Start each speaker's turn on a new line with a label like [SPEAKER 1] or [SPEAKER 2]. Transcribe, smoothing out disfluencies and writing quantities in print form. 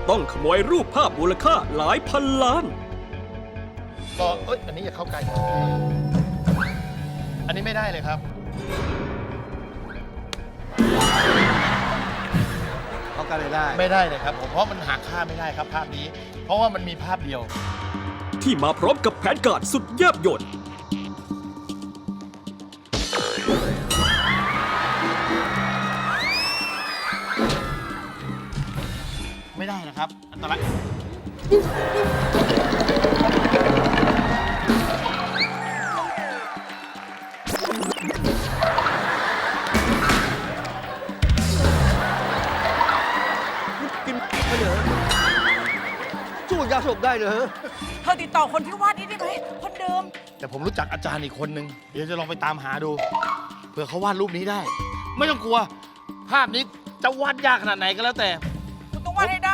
[SPEAKER 1] ต้องขโมยรูปภาพมูลค่าหลายพันล้าน
[SPEAKER 2] ก็อันนี้อย่าเข้าใกล้อันนี้ไม่ได้เลยครับ
[SPEAKER 3] เขากันเลยได้
[SPEAKER 2] ไม่ได้เลยครับผมเพราะมันหาค่าไม่ได้ครับภาพนี้ เพราะว่ามันมีภาพเดียว
[SPEAKER 1] ที่มาพร้อมกับแผนการสุดแยบยล
[SPEAKER 2] ไม่ได้นะครับ อันตราย
[SPEAKER 3] กินไปเหรอสู้ยาสลบได้เหรอ
[SPEAKER 4] เธอติดต่อคนที่วาดนี้ได้ไหมคนเดิม
[SPEAKER 2] แต่ผมรู้จักอาจารย์อีกคนนึง เดี๋ยวจะลองไปตามหาดู เผื่อเขาวาดรูปนี้ได้ ไม่ต้องกลัว ภาพนี้จะวาดยากขนาดไหนก็แล้วแต่
[SPEAKER 4] คุณต้องวาดให้ได้